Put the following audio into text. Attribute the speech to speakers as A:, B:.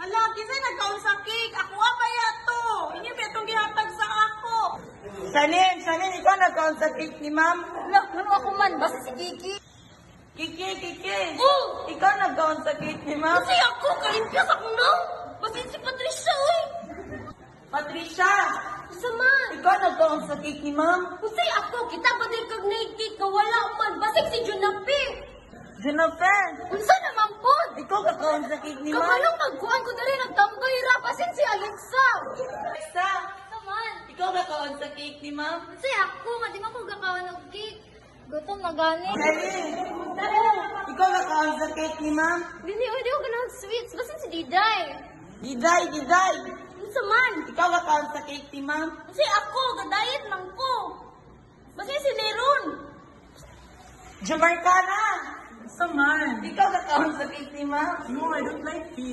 A: Ala, kisay nagkaon sa cake. Ako pa yato. Inyo ba itong gihatag sa ako?
B: Sanin, ikaw nagkaon sa cake ni ma'am.
A: Ala, ano ako man? Basta si Kiki.
B: Kiki.
A: Oh!
B: Ikaw nagkaon sa cake ni ma'am.
A: Kasi ako, kalimpias ako na. Basta si Patricia, uy.
B: Patricia,
A: Isa man.
B: ikaw nagkaon sa cake ni ma'am.
A: Kasi ako, kita ba din kag cake ka wala man. Basta si Junapi.
B: Jennifer,
A: Unsa naman po?
B: ikaw nagkaon sa cake ni ma'am.
A: Kabalong nagkuhan ko dali nagtambay ra. Pasin si Alexa.
B: Alexa,
A: Isa man.
B: ikaw nagkaon sa cake ni ma'am.
A: Kasi ako, nga di man ko gakawan ng cake. Gutom na gani.
B: Sanin, ikaw nagkaon sa cake ni ma'am.
A: Dili, di ko ganang sweets. Basta si Diday.
B: Diday.
A: Unsa man?
B: Ikaw nagkaon sa cake ni ma'am.
A: Kasi ako, gadayet lang ko. Basta si Leron.
B: Jamarcana,
C: Saman.
B: ikaw nagkaon sa cake ni ma'am.
C: No, I don't like it.